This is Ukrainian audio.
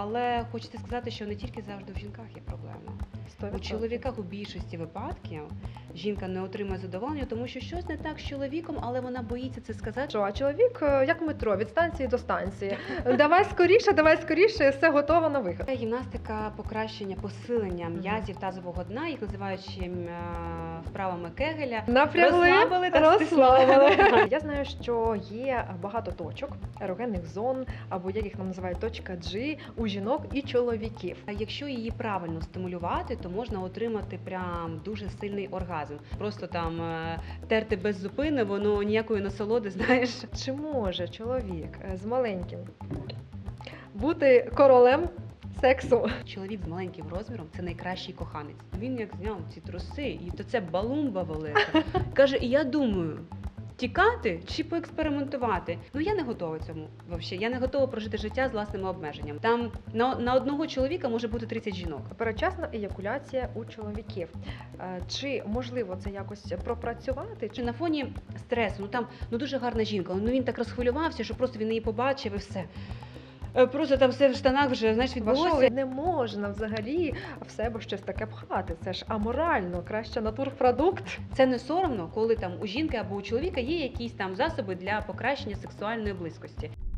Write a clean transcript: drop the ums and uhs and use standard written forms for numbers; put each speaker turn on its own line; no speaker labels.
але хочеться сказати, що не тільки завжди в жінках є проблема. У
100%.
чоловіках у більшості випадків жінка не отримує задоволення, тому що щось не так з чоловіком, але вона боїться це сказати.
Що, а чоловік як метро, від станції до станції. Давай скоріше, все готово на вихід.
Це гімнастика покращення, посилення м'язів тазового дна, їх називають ще вправами Кегеля.
Напрягли,
Розслабили та
розслабили.
стиснули.
Я знаю, що є багато точок, ерогенних зон, або як їх нам називають точка G у жінок і чоловіків.
Якщо її правильно стимулювати, то можна отримати прям дуже сильний оргазм. Просто там терти без зупини, воно ніякої насолоди, знаєш.
Чи може чоловік з маленьким бути королем сексу?
Чоловік з маленьким розміром – це найкращий коханець. Він як зняв ці труси, і то це балумба велика. Каже, і я думаю, тікати чи поекспериментувати? Ну я не готова цьому взагалі. Я не готова прожити життя з власними обмеженнями. Там на одного чоловіка може бути 30 жінок.
Передчасна еякуляція у чоловіків. Чи можливо це якось пропрацювати?
Чи на фоні стресу, там дуже гарна жінка, він так розхвилювався, що просто він її побачив і все. Просто там все в штанах вже, знаєш, відбулося.
Не можна взагалі в себе щось таке пхати. Це ж аморально, краще натурпродукт.
Це не соромно, коли там у жінки або у чоловіка є якісь там засоби для покращення сексуальної близькості.